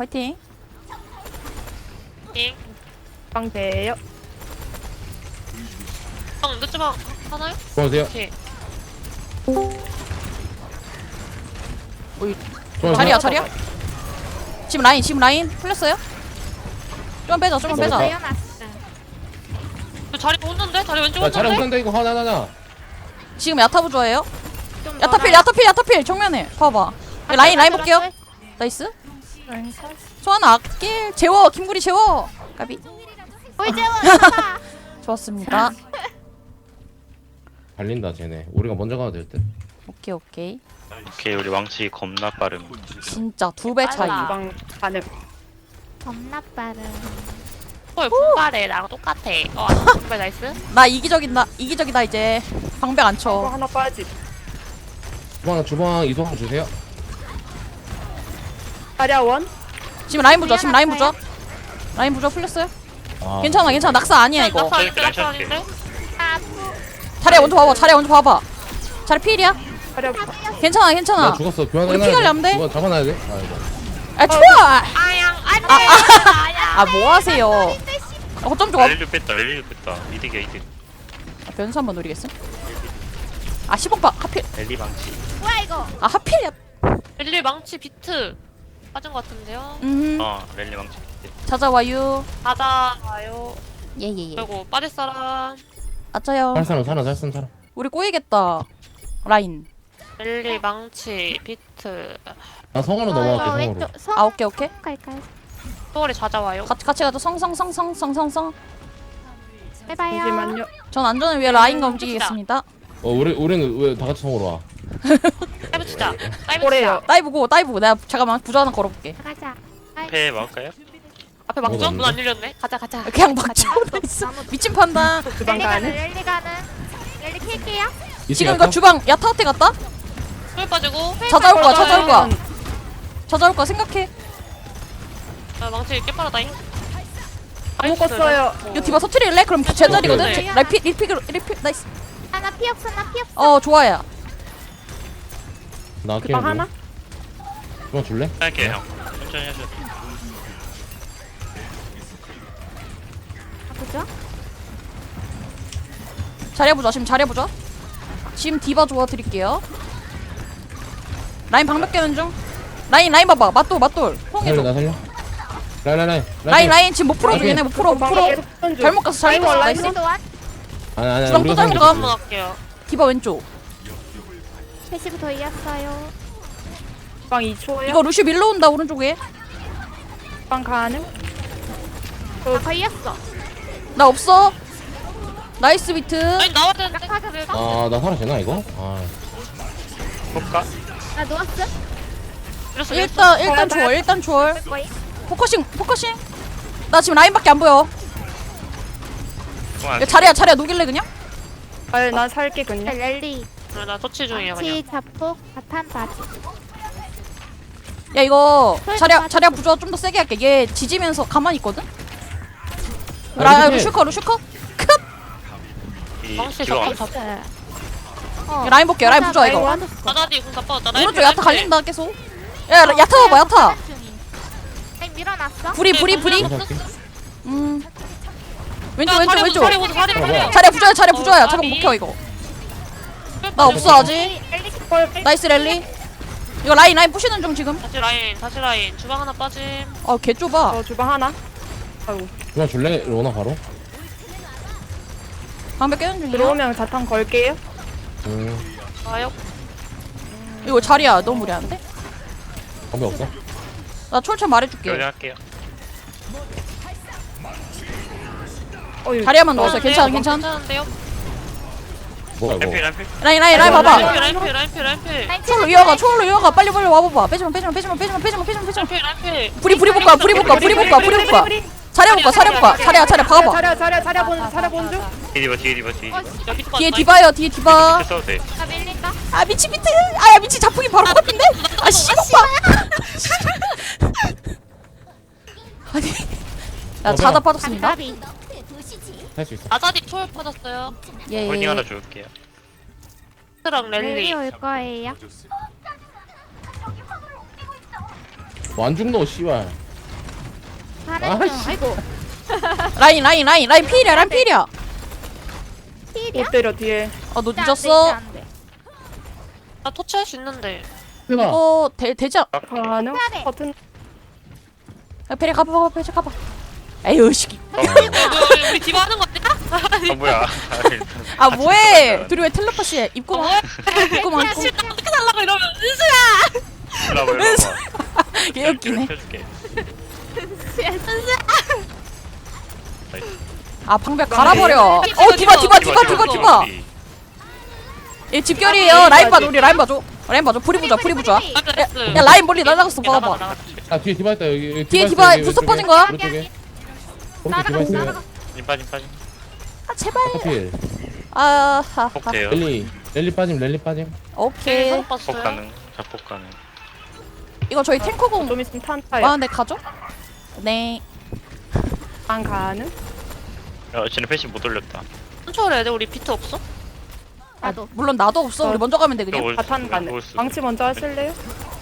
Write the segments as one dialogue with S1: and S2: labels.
S1: 화이팅.
S2: 잉.
S3: 빵 돼요.
S2: 늦지마 하나요?
S4: 도와주세요.
S2: 오케이.
S1: 자리야 자리야. 지금 라인 풀렸어요? 좀 빼자 좀만 빼자.
S2: 그 자리 오는데? 자리 왼쪽
S4: 야, 잘해
S2: 오는데?
S4: 못한다 이거 하나.
S1: 지금 야타부 좋아해요? 야타필 정면에 봐봐. 라인 볼게요. 나이스. 소환아 아낄 재워 김구리 재워. 까비.
S5: 뭘 재워?
S1: 좋았습니다.
S4: 달린다 쟤네. 우리가 먼저 가도 될 듯.
S1: 오케이.
S6: 오케이 우리 왕치 겁나 빠름.
S1: 진짜 2배 차이.
S2: 빨라.
S3: 빵 가능.
S5: 겁나 빠른.
S2: 헐 분발해 나랑 똑같아. 분발 나이스.
S1: 나 이기적이다 이제. 방벽 안
S3: 거
S1: 쳐.
S3: 하나 빠지.
S4: 주방 이동 주세요.
S3: 자리아원.
S1: 지금 라인 부자 라인 부자 풀렸어요?
S4: 아,
S1: 괜찮아 낙사 아니야 이거.
S2: 낙사 아닌데? 낙사 아닌데?
S1: 자리야 먼저 봐봐. 자리 필이야?
S3: 자리아.
S1: 괜찮아
S4: 나 죽었어. 교환
S1: 우리 피관리 안 돼?
S4: 이거 잡아놔야 돼. 아이고.
S1: 아 좋아.
S2: 아양 안돼.
S1: 아 뭐 하세요? 어쩜 좋아?
S6: 랠리를 뺐다. 이득이야 이득.
S1: 변수 한번 노리겠어? 아 10억 봐 하필.
S6: 랠리 망치.
S5: 뭐야 이거?
S1: 아 하필이야.
S2: 릴리 망치 비트 빠진 것 같은데요?
S6: 랠리 망치.
S1: 찾아와요.
S2: 가자요.
S1: 예예예.
S2: 그리고 빠질 사람.
S1: 아짜요.
S4: 살 사람.
S1: 우리 꼬이겠다. 라인.
S2: 릴리 망치 비트.
S4: 나 성으로 넘어갈게 성으로.
S1: 아 오케이.
S5: 갈까요?
S2: 소월이 찾아와요.
S1: 같이 가자. 성성.
S5: 해봐요.
S3: 잠시만요.
S1: 전 안전을 위해 라인과 움직이겠습니다.
S4: 우리는 왜 다 같이 성으로 와?
S2: 다이브 치자. 다이브
S3: 오래요.
S2: 치자.
S1: 다이브고. 내가 잠깐만 부자 하나 걸어볼게.
S5: 가자.
S6: 패 막을까요?
S2: 앞에 막죠?
S4: 뭐가
S2: 문 안 열렸네. 가자.
S1: 그냥 막 쳐버렸어. 미친 판단.
S3: 주방 가능.
S5: 랠리 가는. 랠리 킬게요.
S1: 지금 이거 주방 야타한테 갔다?
S2: 소월 빠지고.
S1: 찾아올 거야 생각해.
S2: 아, 망치 깨빠르다잉.
S3: 안 묶었어요.
S1: 이거 디바 서트릴래? 그럼 제자리거든?
S2: 오케이.
S1: 리필 나이스.
S5: 하나 피 없어.
S1: 좋아요.
S4: 나
S3: 주방 하나.
S4: 주방 줄래?
S6: 할게 형. 천천히 하셔.
S5: 보죠.
S1: 잘해보자. 지금 디바 도와드릴게요. 라인 방벽 깨는 중. 라인 봐봐. 맞돌.
S4: 살려.
S1: 라인 지금 못 풀어줘. 얘네 못 풀어. 잘못 갔어. 나이스.
S5: 우리도 완.
S4: 아니
S1: 주방 또
S4: 우리가
S1: 잘못
S4: 살려.
S1: 가.
S2: 한번 할게요.
S1: 디바 왼쪽.
S5: 패시부터 이었어요.
S3: 주방 2초요.
S1: 이거 루시 밀러 온다 오른쪽에.
S3: 주방 가능.
S5: 걸렸어.
S1: 나 없어. 나이스 비트.
S2: 아니 나와야 되는데.
S4: 나 살아 되나 이거? 아,
S6: 볼까?
S5: 나 누웠어.
S2: 이랬어.
S1: 일단 초월.
S5: 거의.
S1: 포커싱. 나 지금 라인밖에 안 보여. 야, 자리야 녹일래 그냥?
S3: 난 살게 그냥.
S5: 랠리.
S2: 나 터치 중이야 그냥.
S5: 치 자폭 바탄 바지.
S1: 야 이거 자리야 부조 좀 더 세게 할게. 얘 지지면서 가만히 있거든. 루슈커.
S2: 망치
S6: 기왕.
S2: 잡고.
S1: 라인 볼게요. 라인 부조 이거.
S2: 나다디 궁 잡아. 나
S1: 오른쪽 야타 갈린다 계속. 야 야타 봐봐 야타.
S5: 밀어놨어.
S1: 불이.
S4: 할게.
S1: 왼쪽.
S4: 뭐야?
S1: 자리야 부조야. 잠깐 못 켜 이거. 나 없어 아직. 나이스 랠리. 이거 라인 부시는 중 지금.
S2: 다시 라인. 주방 하나 빠짐.
S1: 개 좁아.
S3: 주방 하나. 아이고.
S4: 주방 줄래? 로나 바로.
S1: 방벽 깨는 중이야.
S3: 들어오면 자탄 걸게요.
S2: 와요.
S1: 이거 자리야 너무 무리한데?
S4: 방법 없어?
S1: 나 철철 말해줄게.
S6: 할게요.
S1: 자리야만 넣었어요. 괜찮아.
S2: 괜찮은데요?
S4: 뭐야 이거?
S6: 램필.
S1: 라인 봐봐.
S2: 라인필.
S1: 초월로 이어가. 빨리 와봐봐. 빼지마.
S2: 라인필.
S1: 불이 볼까. 자리야 볼까. 자리야 박아봐.
S3: 자리아 본 중.
S1: 뒤에 디바요.
S6: 밑에 써도 돼.
S5: 나 밀린다.
S1: 아 미치 비트. 아야 미치 자폭이 바로 코앞인데. 아 씨오빠. 아니. 나 자다 빠졌습니다.
S5: 감사비.
S4: 할 수 있어.
S2: 나다디 초월 빠졌어요.
S1: 예.
S6: 홀딩 하나 줄게요.
S2: 트랑
S5: 랠리
S2: 랠리.
S5: 올 거예요.
S4: 안 죽노 씨발.
S5: 가는 중. 아이고.
S1: 라인 필이야 라인 필이야.
S5: 필이야?
S3: 못 때려 뒤에.
S1: 너
S5: 안 돼,
S1: 늦었어.
S5: 안 돼.
S2: 나 토치할 수 있는데.
S4: 해봐.
S1: 이거 되지 않...
S3: 가능?
S5: 해야 돼.
S3: 버튼.
S1: 야, 베리 가봐 에휴 씨.
S2: 우리 디바 하는 거 아니야?
S6: 뭐야?
S1: 아 뭐해 둘이 왜 텔레파시해 입고만 입고만
S2: 야, 씨, 나 어떻게 살라고 이러면 은수야.
S6: 일로 와봐.
S1: 개웃기네.
S6: 펴줄게.
S1: 아 방벽 갈아버려. 디바 얘 집결이에요. 라인 봐줘 우리 라인 봐줘 불이 부자 야 라인 멀리 날아갔어 봐봐.
S4: 아 뒤에 디바 있다 여기.
S1: 뒤에 디바
S4: 있어,
S1: 부스
S4: 여기
S1: 빠진 거야?
S4: 오른쪽에. 오른쪽 디바 있어요.
S6: 빠짐.
S1: 아 제발.
S4: 커필.
S1: 아하.
S6: 폭돼요.
S4: 랠리 빠짐.
S1: 오케이.
S6: 폭 가능. 자폭 가능.
S1: 이거 저희 탱커공
S3: 좀 있으면 탄타요.
S1: 많은데 가죠? 네.
S3: 안 가능?
S6: 야, 쟤네 패시 못 올렸다.
S2: 컨트롤 해야 돼? 우리 비트 없어?
S5: 나도.
S1: 물론 나도 없어. 우리 먼저 가면 돼 그냥.
S6: 올
S3: 바탄
S6: 수-
S3: 가능.
S6: 올 수-
S3: 망치 먼저 하실래요?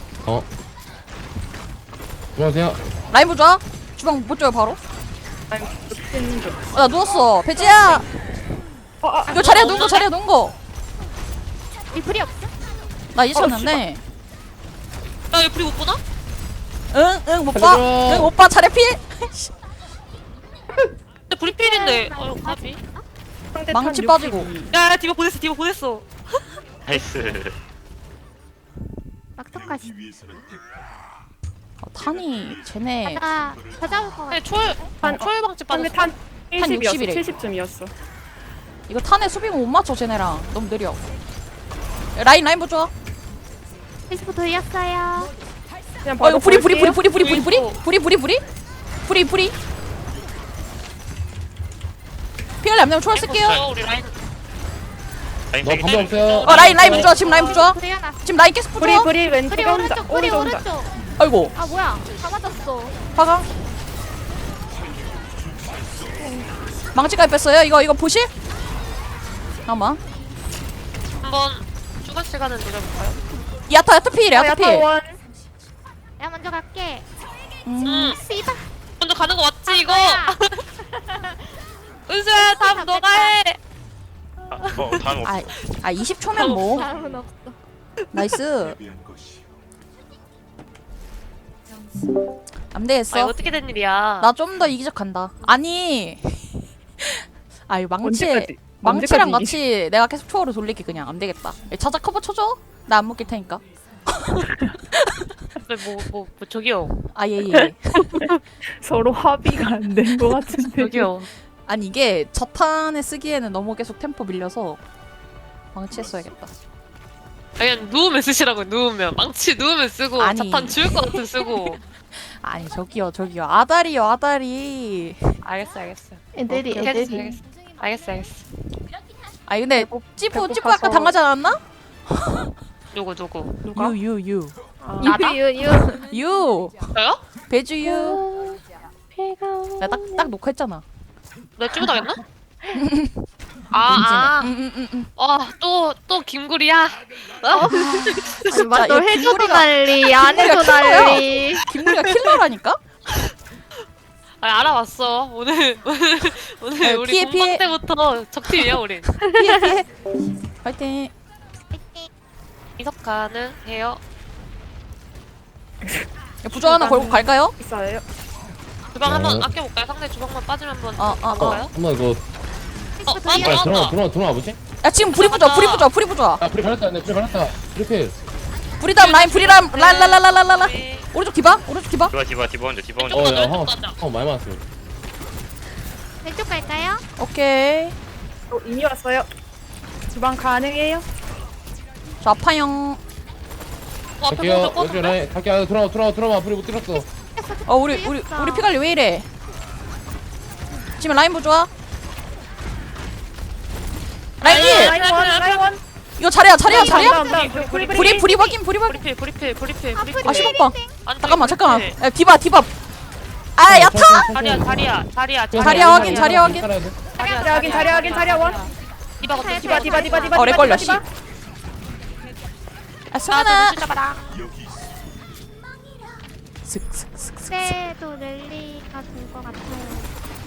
S4: 안녕하세요.
S1: 라인 보자. 주방 못 줘요 바로.
S3: 아니 붙이는 중.
S1: 나 누웠어. 배지야. 이거 자리에 누운 거.
S5: 이 불이 없어?
S1: 나 이제 찾았는데.
S2: 야, 얘 불이 못 보나?
S1: 응, 못 봐.
S4: 살려줘.
S1: 응, 오빠 차례 필.
S2: 근데 불이 필인데. 까비.
S3: 상대
S1: 망치
S3: 탄
S1: 빠지고.
S3: 62.
S2: 야, 디바 보냈어.
S6: 나이스.
S5: 막타까지.
S1: 탄이 쟤네
S5: 나 찾아올 것 같아.
S2: 아니, 초월 방지
S3: 상대
S2: 빠졌어.
S3: 탄 70이었어.
S1: 60이래.
S3: 70쯤이었어.
S1: 이거 탄에 수비가 못 맞춰 쟤네랑 너무 느려. 라인 보자.
S5: 70 돌렸어요.
S3: 그냥
S1: 이거
S3: 바로
S1: 불이
S3: 볼게요.
S1: 피갈리 안 되면 초월 쓸게요.
S2: 우리 라인.
S4: 너 방법 없어요.
S1: 라인 부자. 지금 라인 부자.
S5: 불이 하나.
S1: 지금 라인 계속 부자.
S3: 불이 왼쪽에
S5: 불이
S3: 혼자.
S5: 오른쪽. 불이
S3: 오른쪽 혼자.
S5: 오른쪽.
S1: 아이고
S5: 아 뭐야? 다 맞았어.
S1: 화강. 망치까지 뺐어요. 이거 보실? 잠깐만.
S2: 한번 추가 시간을 노려볼까요?
S1: 야타 필.
S3: 야타원.
S5: 내가 먼저 갈게.
S2: 응.
S5: 씨다.
S2: 먼저 가는 거 맞지, 이거?
S5: 뭐야?
S2: 은수야, 다음 너가 해.
S6: 다음 없어.
S1: 20초면 뭐.
S5: 다음은 없어.
S1: 나이스. 안
S2: 아,
S1: 되겠어.
S2: 이거 어떻게 된 일이야?
S1: 나 좀 더 이기적 간다. 아니. 아이
S3: 언제까지?
S1: 망치랑
S3: 언제까지
S1: 같이 내가 계속 초월을 돌릴게 그냥 안 되겠다. 자자 커버 쳐줘. 나 안 먹길 테니까.
S2: 저기요.
S1: 예.
S3: 서로 합의가 안 된 것 같은데.
S2: 저기요.
S1: 아니 이게 저탄에 쓰기에는 너무 계속 템포 밀려서 망치했어야겠다.
S2: 그냥 누우면 쓰시라고, 누우면. 망치 누우면 쓰고,
S1: 아니.
S2: 자탄 지울 것 같은 쓰고.
S1: 아니 저기요. 아다리.
S2: 알겠어.
S5: 애들이
S2: 알겠어.
S1: 아니 근데 찌부
S3: 배고파서.
S1: 아까 당하지 않았나?
S2: 누구?
S3: 누가?
S1: 유.
S2: 나다?
S1: 유.
S2: 저요?
S1: 배주유. 나 딱 녹화했잖아.
S2: 나 찌부당했나? 아.
S1: 응.
S2: 또 김구리야?
S1: 진짜
S5: 너
S1: 이거
S5: 해줘도
S1: 김구리가-
S5: 난리, 안 해도
S1: 킬러야.
S5: 난리.
S1: 김구리가 킬러라니까?
S2: 알아봤어. 오늘 우리
S1: 피해,
S2: 본방
S1: 피해.
S2: 때부터 적팀이야, 우린.
S1: 피해. 파이팅.
S2: 이석가는 해요.
S1: 부조 하나 걸고 갈까요?
S3: 있어요.
S2: 주방 한번
S4: 네.
S2: 아껴볼까요? 상대 주방만 빠지면 한번
S1: 어.
S2: 볼까요?
S4: 한번 이거 들어와 보지?
S1: 야 지금 불이 부자.
S4: 아 불이 갈았다. 불이 갈았다. 이렇게.
S1: 불이담 라인 랄랄랄랄랄라.
S2: 네.
S1: 오른쪽 디바.
S6: 디바 혼자.
S4: 야 형 많이 맞았어요.
S5: 왼쪽 갈까요?
S1: 오케이.
S3: 이미 왔어요. 주방 가능해요?
S1: 저 아파용.
S2: 앞에
S4: 갈게요.
S2: 먼저
S4: 왼쪽
S2: 꺼는데?
S4: 라인 갈게. 들어와. 불이 못 들었어.
S1: 우리 피갈리 왜 이래? 지금 라인 부좋아. 라인 일.
S3: 라이원.
S1: 이거 자리야. 불이 박임.
S2: 브리필.
S1: 아 10번.
S2: 아니,
S1: 잠깐만.
S2: 브리필.
S1: 야 디바. 아 야타.
S2: 자리야.
S1: 자리야 확인.
S3: 자리 확인. 디바.
S1: 렉 걸려, 씨. 아
S2: 나
S1: 수아나.
S2: 눈치 잡아라.
S1: 슥슥슥슥.
S5: 그래도 랠리가 다 될 것 같아요.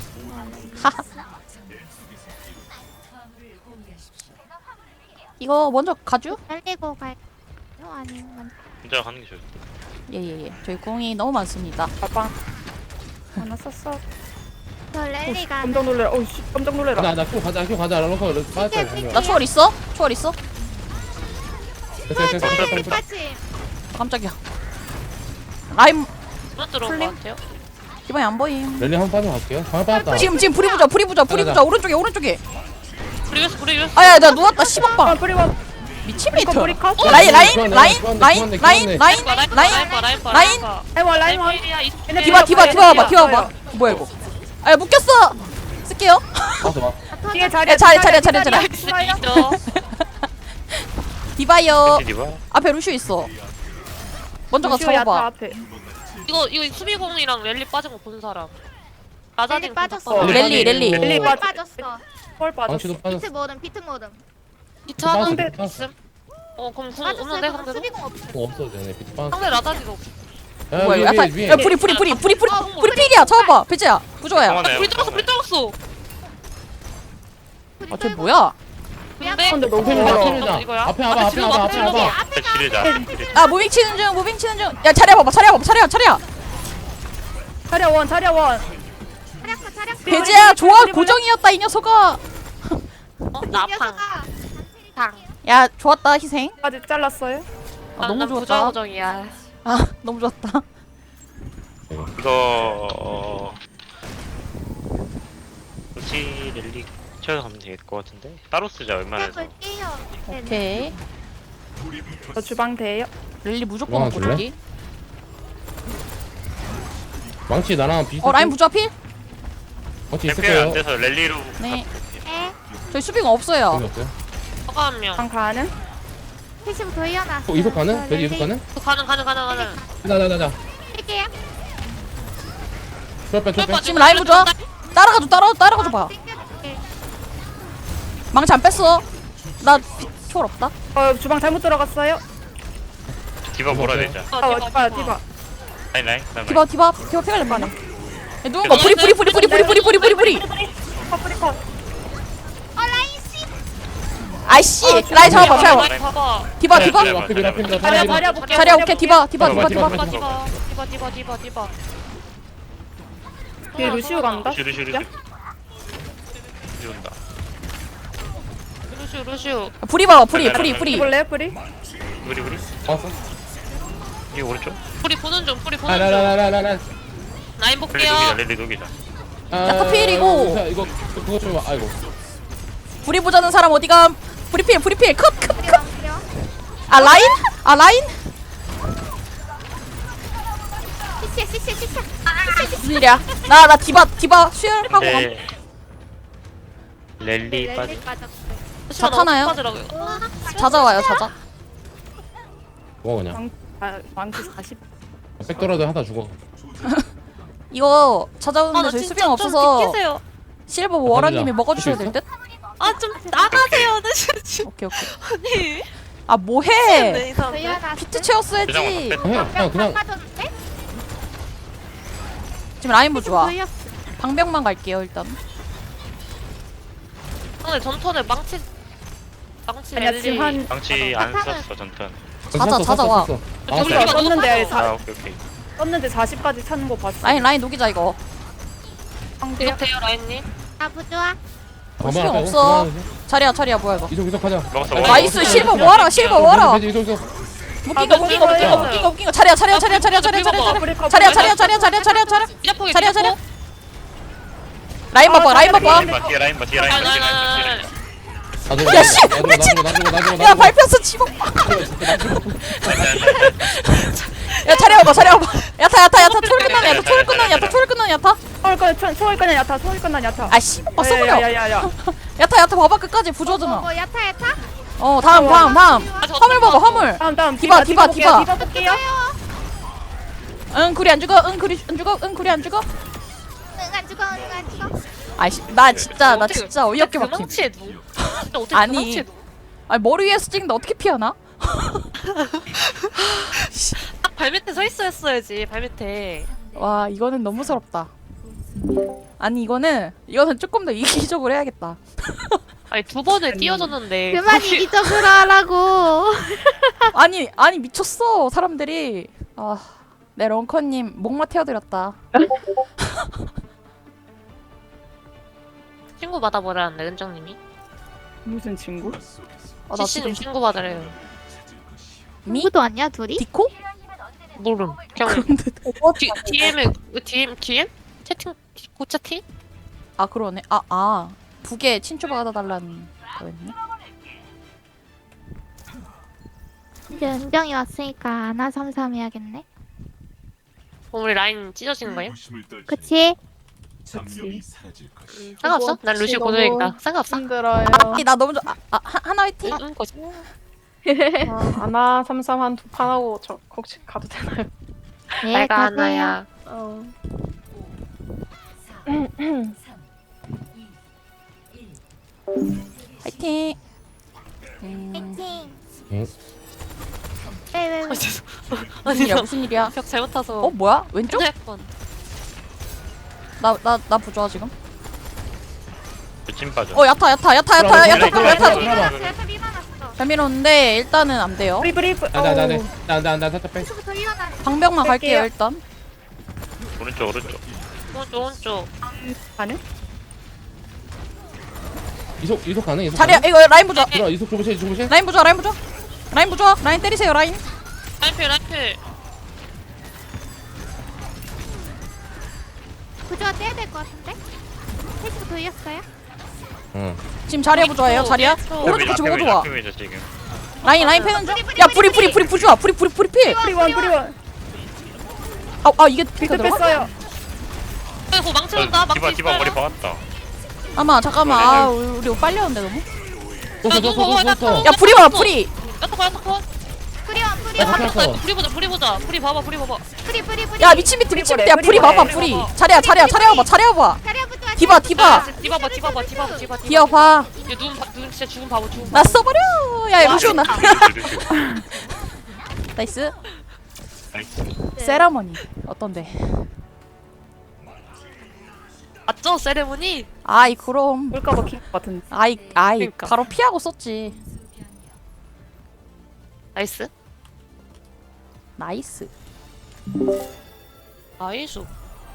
S1: 이거 먼저 가죠?
S5: 살리고 갈까요? 아니면
S6: 혼자 가는 게 좋을
S1: 예예예. 저희 궁이 너무 많습니다.
S3: 가방 하나 썼어.
S5: 저 랠리가
S3: 깜짝 놀래라. 어이씨 깜짝 놀래라.
S4: 나나 큐 가자 런커 빠졌다
S1: 나 초월 있어? 초월 있어?
S4: 됐어
S5: 까지
S1: 깜짝이야. 라임
S2: 못 들어온 것 같아요.
S1: 기반이 안 보임.
S4: 랠리 한번 빠져갈게요 방금 빠졌다
S1: 지금 불이 부자
S4: 가자.
S1: 오른쪽에.
S2: 브리그스.
S1: 아야 나 누웠다 씨발빵.
S3: 뿌리고
S1: 미친 미터.
S3: 뿌리 컷.
S1: 라인
S4: 그만해.
S3: 해봐 라인 원.
S1: 디바 봐봐. 뭐야 이거? 아 묶였어. 쓸게요.
S4: 맞아
S3: 뒤에
S1: 야,
S3: 자리야.
S1: 자리야. 디바요.
S6: 디바.
S1: 앞에 루슈 있어. 먼저 가
S3: 루시오 야타
S1: 잡아봐.
S3: 앞에.
S2: 이거 수비공이랑 랠리 빠진 거 본 사람. 라자딘
S5: 랠리 빠졌어.
S3: 어,
S1: 랠리.
S3: 랠리
S5: 볼 빠졌어.
S3: 헐 빠졌어.
S4: 방치도 빠졌어
S5: 비트 모듬.
S2: 기차
S3: 근데-
S2: 있음? 그럼 궁
S5: 빠졌어요.
S2: 없는데
S5: 그럼
S2: 상대도?
S5: 수비공 없어.
S4: 없어도 되네 비트 빠졌어
S2: 상대 라자딘 없어.
S1: 뭐야 이거? 야타. 야 불이 필이야. 잡아봐. 배치야. 부조야.
S6: 성원해.
S2: 불 들었어.
S1: 아쟤 뭐야?
S2: 근데
S3: 근데 너무
S4: 앞에
S3: 힘들어.
S4: 봐
S2: 이거야?
S4: 앞에 와봐
S6: 지르자.
S1: 아 무빙 치는 중. 야 차려.
S3: 자리야 원.
S5: 차략.
S1: 배지야 조합 고정이었다 이 녀석아.
S2: 나팡. 팡.
S1: 야 좋았다 희생.
S3: 까지 잘랐어요.
S1: 아, 너무 좋았다.
S2: 고정이야.
S1: 아 너무 좋았다.
S6: 이거 굳이 랠리 채워서 가면 될 것 같은데 따로 쓰자 웬만해서.
S5: 볼게요.
S1: 오케이.
S3: 저 주방 돼요.
S1: 랠리 무조건
S4: 와,
S1: 먹고
S4: 줄래?
S1: 저기.
S4: 망치 나랑 비슷해
S1: 라인 부조 필?
S4: 망치 있을
S6: 챔피언 안
S4: 거예요
S6: 돼서 랠리로.
S1: 네.
S5: 에.
S1: 저희 수비가 없어요.
S4: 여기 없어요
S2: 허가 한 명.
S3: 주방 가는.
S5: 패시브 돌려놨어.
S4: 이속 가는? 돼지 이속 가는?
S2: 가는.
S4: 나나나나
S5: 할게요.
S4: 쫄빼
S1: 지금 라인 부조. 따라가줘 봐.
S5: 땡겨줄게.
S1: 망치 안 뺐어. 나 초월 없다.
S3: 주방 잘못 들어갔어요.
S6: 디바 몰아야 되자.
S3: 디바.
S6: 라인.
S1: 디바 피가 낼거 아니야. 야, 누군 거 뿌리.
S3: 뿌리 컷.
S5: 라인 씨.
S1: 아이씨 라인 잡아봐.
S6: 라인
S2: 봐봐.
S1: 디바.
S3: 자리야 볼게.
S1: 자리야 오케이 디바.
S2: 디바.
S3: 뒤에 루시오 간다.
S6: 슈르 온다.
S2: 루슈.
S1: 불이 봐봐. 불이.
S3: 볼래요 뿌리?
S6: 우리
S4: 왔어?
S6: 이게 오른쪽?
S2: 뿌리 보는 중.
S4: 라라라라라라
S2: 라인 볼게요.
S6: 랠리 녹이자.
S1: 야타 필이고.
S4: 이거 그거 좀 아이고
S1: 불이 보자는 사람 어디감? 불이 필. 컷.
S5: 필요.
S1: 아 라인?
S5: 시시.
S1: 무슨 일이야? 나 디바 수혈하고 감.
S6: 네. 랠리 빠지.
S5: 빠졌어.
S1: 타나요?
S2: 빠지라고요.
S1: 찾아와요.
S4: 죽어 그냥
S3: 망치 40.
S4: 백 떨어도 하다 죽어
S1: 이거 찾아오는데 저희 수비가 없어서
S2: 비키세요.
S1: 실버 워라님이
S4: 가자.
S1: 먹어주셔야
S4: 할수
S1: 될 듯?
S2: 좀 나가세요.
S1: 오케이.
S2: 아니.
S1: 아 뭐해?
S2: 네, 이 사람들.
S5: 돌려놨어.
S1: 비트 채웠어야지.
S4: 그냥
S5: 빠졌는데?
S1: 지금 라인 부좋아.
S5: 돌렸어.
S1: 방벽만 갈게요 일단.
S2: 근데 전턴에 망치
S3: 아니야
S2: 랠리.
S3: 지금 한
S6: 방치 안 썼어 전턴.
S1: 찾아와.
S2: 우리가
S3: 떴는데
S2: 떴어.
S6: 오케이.
S3: 떴는데 40까지 차는 거 봤어.
S1: 라인 녹이자 이거.
S2: 이거 돼요 라인님.
S5: 부조아.
S1: 수경 없어. 자리야 뭐야 이거?
S4: 이속 하자
S6: 먹었어.
S1: 나이스 실버 모아라.
S4: 이속
S1: 묶인 거. 자리야. 자리야.
S2: 미라포기.
S1: 라인 봐봐.
S6: 뒤에 라인 봐.
S1: 야, 씨! 야 밟혔어 지붕. 야 자리야 봐봐. 야타 초월 끝나는 야타.
S3: 소울 끝난 야타.
S1: 아 씨. 봤어 버려.
S3: 야야야야.
S1: 야타 봐봐 끝까지 부조잖아.
S5: 뭐 야타.
S1: 다음. 화물 봐봐 화물.
S3: 다음
S1: 디바.
S3: 디바 볼게요.
S1: 응 구리 안 죽어.
S5: 응, 안 죽어.
S1: 아이씨 나 진짜 어이없게 막힘.
S2: 망치에 누. 진짜 어떻게
S1: 아니.
S2: 망치에 누.
S1: 아니 머리 위에서 찍는데 어떻게 피하나?
S2: 딱 발밑에 서 있어야지. 발밑에.
S1: 와 이거는 너무 서럽다. 아니 이거는 조금 더 이기적으로 해야겠다.
S2: 아니 두 번을 띄워줬는데
S5: 그만 이기적으로 하라고.
S1: 아니 미쳤어 사람들이. 내 런커님 목마 태워드렸다.
S2: 친구 받아보라는데 은정님이.
S3: 무슨 친구?
S1: 나
S2: CC님
S1: 지금
S2: 친구 받으래요.
S5: 누구도 왔냐 둘이?
S1: 디코?
S2: 모름. 그냥
S1: 그런데
S2: DM 채팅 고채팅?
S1: 아 그러네. 북에 친추 받아달라는 거였네.
S5: 이제 은정이 왔으니까 아나삼삼 해야겠네.
S2: 그럼 우리 라인 찢어지는 거예요?
S5: 그치?
S2: 상관없어? 난 루시 고정이니까 상관없어.
S3: 힘들어요.
S1: 나 너무 하나 화이팅.
S2: 응 거지.
S3: 아나 삼삼 한 두 판 하고 저 혹시 가도 되나요?
S5: 네,
S2: 내가
S5: 가세요.
S2: 하나야.
S1: 화이팅.
S5: 파이팅.
S4: 응.
S5: 왜?
S1: 무슨 일이야 무슨 일이야?
S2: 벽 잘못 타서.
S1: 뭐야 왼쪽?
S2: 핸드폰.
S1: 나 부조화 지금.
S6: 찜 빠져.
S1: 야타
S4: 들어봐.
S5: 그래서 밀어놨어.
S1: 잘 밀었는데 일단은 안 돼요.
S3: 브리브.
S4: 나 살짝 빼.
S5: 계속 밀어놨어.
S1: 방벽만 갈게요
S3: 갈게요.
S1: 일단.
S6: 오른쪽.
S2: 오른쪽.
S3: 가능?
S4: 이속 가능? 이속
S1: 자리야
S4: 가능?
S1: 이거 라인 부조화.
S4: 들어 이속 줘보실?
S1: 라인 부조화. 라인 때리세요 라인.
S2: 라인필.
S5: 구조화 떼야 될 것 같은데? 패시브 돌렸어요?
S4: 응.
S1: 지금 자리야 부조화예요 자리야.
S2: 왼쪽.
S1: 오른쪽 같이 먹어 좋아.
S6: 지금.
S1: 라인 패는 중. 야 뿌리 부조화. 뿌리 필.
S3: 프리원.
S1: 이게
S3: 빌드
S1: 들어가?
S3: 뺐어요.
S2: 그거 망쳐준다. 망치
S6: 디바 머리
S2: 있어요.
S6: 박았다.
S1: 잠깐만. 우리 빨렸는데 너무.
S4: 떴어.
S1: 야 뿌리 봐라 뿌리.
S2: 야타커.
S5: 뿌리원.
S4: 떴어.
S2: 불이 보자. 불이 봐봐.
S5: 뿌리.
S1: 야 미친 비트. 야 뿌리 봐봐 뿌리. 자리야 봐봐.
S5: 자리야 부조화.
S1: 디바.
S2: 디바봐.
S1: 디어 봐.
S2: 눈 진짜 죽은 바보 죽은 바보.
S1: 나 써버려. 야 루시오 나. 나이스. 세라머니 어떤데?
S2: 맞죠? 세레모니?
S1: 그럼.
S3: 볼까봐 킥 같은데.
S2: 그러니까.
S1: 바로 피하고 썼지.
S2: 나이스.
S1: 나이스.
S2: 나이스.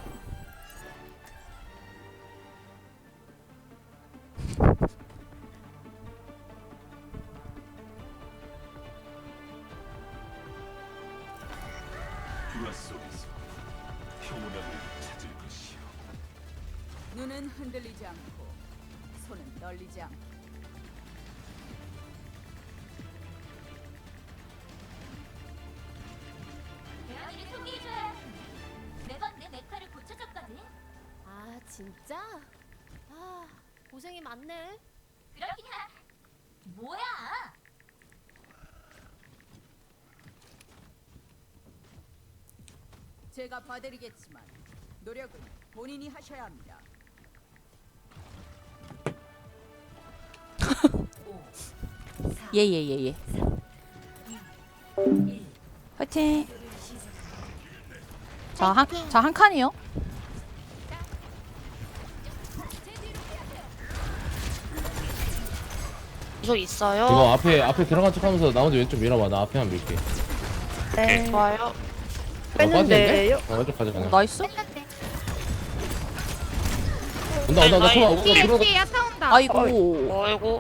S7: 눈은 흔들리지 않고 손은 떨리지 않고
S8: 대현이를 소개해줘야 매번 내 메카를 고쳐줬거든.
S9: 아 진짜? 고생이 많네.
S8: 그렇긴 하. 뭐야?
S7: 제가 봐드리겠지만 노력은 본인이 하셔야 합니다.
S1: 예. 화이팅. 자 한 칸이요.
S2: 이거 있어요.
S4: 이거 앞에 들어간 척하면서 나머지 왼쪽 밀어봐. 나 앞에만 밀게.
S3: 네.
S2: 좋아요.
S3: 뺐는데요?
S4: 왼쪽 가자 그냥.
S1: 나이스.
S5: 뺐는데.
S4: 온다. 들어와.
S5: 뒤에 야타 온다.
S2: 어이구.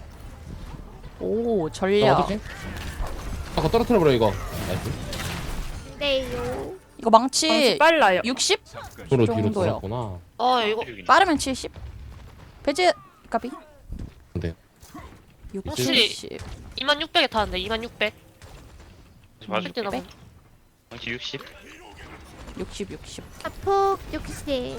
S1: 오
S4: 자,
S1: 전략.
S4: 어떡해? 아까 떨어뜨려버려 이거. 나이스.
S5: 네요.
S1: 이거 망치
S3: 빨라요.
S1: 60?
S4: 뒤로
S1: 정도요.
S4: 돌았구나.
S2: 이거
S1: 빠르면 70. 배제 까비.
S4: 근데
S1: 60.
S2: 2600에 타는데 2600.
S6: 맞아.
S2: 그때 너무
S6: 60.
S1: 60.
S5: 자폭 60.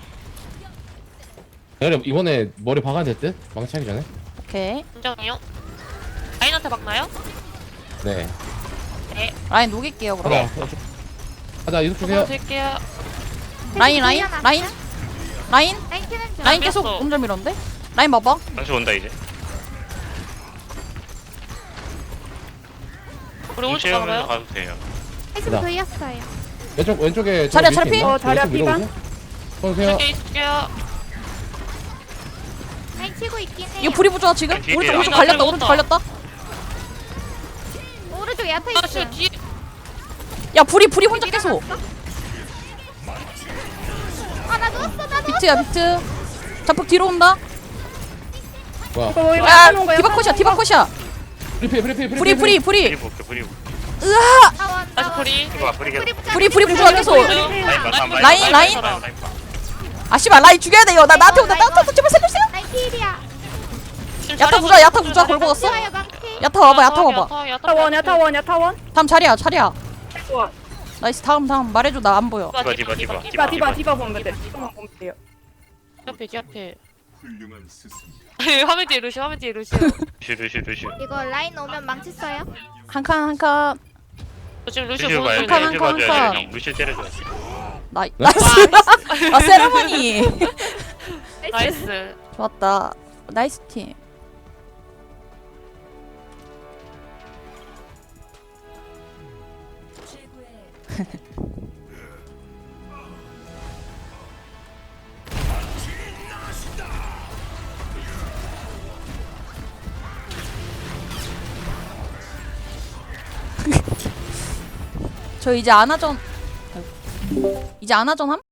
S4: 내가 이번에 머리 박아야 될 듯? 망치하기 전에?
S1: 오케이.
S2: 인정이요. 라인한테 막나요?
S4: 네.
S1: 라인 녹일게요 그럼.
S4: 가자 이속 주세요.
S2: 드릴게요.
S1: 라인.
S5: 라인 캐는 중.
S1: 라인 계속
S2: 뺐어.
S1: 엄청 밀었는데? 라인 봐봐.
S6: 당신 온다 이제.
S2: 우리 오른쪽
S6: 체험해서
S2: 가봐요.
S6: 가도 돼요.
S5: 패시브
S4: 가자.
S5: 돌렸어요.
S4: 왼쪽에
S1: 자리야,
S4: 저 밀수
S1: 자리
S4: 있나?
S3: 자리야,
S4: 왼쪽 밀어보세요. 보세요.
S2: 이렇게 있을게요.
S5: 라인 치고 있긴 해요.
S1: 이거 불이 부좋아 지금?
S6: 뒤에
S1: 오른쪽
S6: 뒤에
S1: 오른쪽
S2: 나
S1: 갈렸다
S2: 들어갔다.
S1: 오른쪽 갈렸다.
S5: 오른쪽 야타
S2: 아,
S5: 있어요.
S2: 저 뒤에.
S1: 야 불이 혼자 계속.
S5: 아나 누웠어 나 누웠어.
S1: 비트야 비트. 자폭 뒤로 온다.
S3: 이거
S4: 뭐야?
S3: 이거
S1: 야
S3: 하는 거야,
S1: 디바 컷이야 디바 컷이야. 불이
S6: 브리
S1: 불이.
S6: 볼게 브리 볼게.
S5: 타원
S2: 다시
S5: 타원.
S2: 불이.
S6: 이거 봐 브리가
S1: 불이 부좋아 계속. 라인.
S2: 봐.
S1: 아 씨발 라인 죽여야 돼 이거. 나 나한테 온다 나한테 제발 살려주세요.
S5: 라인 필이야.
S2: 지금
S1: 야타
S2: 자리야
S1: 부자 야타 부자 골 먹었어.
S5: 좋아요 망치.
S1: 야타 와봐 야타 와봐.
S3: 타원이야 타원이야 타원.
S1: 다음 자리야 자리야.
S3: 좋아.
S1: 나이스 다음 말해줘 나 안 보여.
S6: 디바.
S3: 디바 보면 돼. 디바만 보면 돼요.
S2: 앞에. 화면 뒤에 루시.
S6: 루시.
S5: 이거 라인 오면 망치 써요.
S1: 한 칸.
S2: 저 지금 루시
S6: 루시
S2: 보는
S6: 봐야
S2: 중.
S1: 칸,
S6: 돼.
S1: 칸,
S6: 루시
S1: 칸.
S6: 봐줘야 돼. 루시 때려줘.
S1: 나이스. 아 세레머니.
S2: 나이스.
S1: 좋았다. 나이스 팀. 저 이제 아나전 함?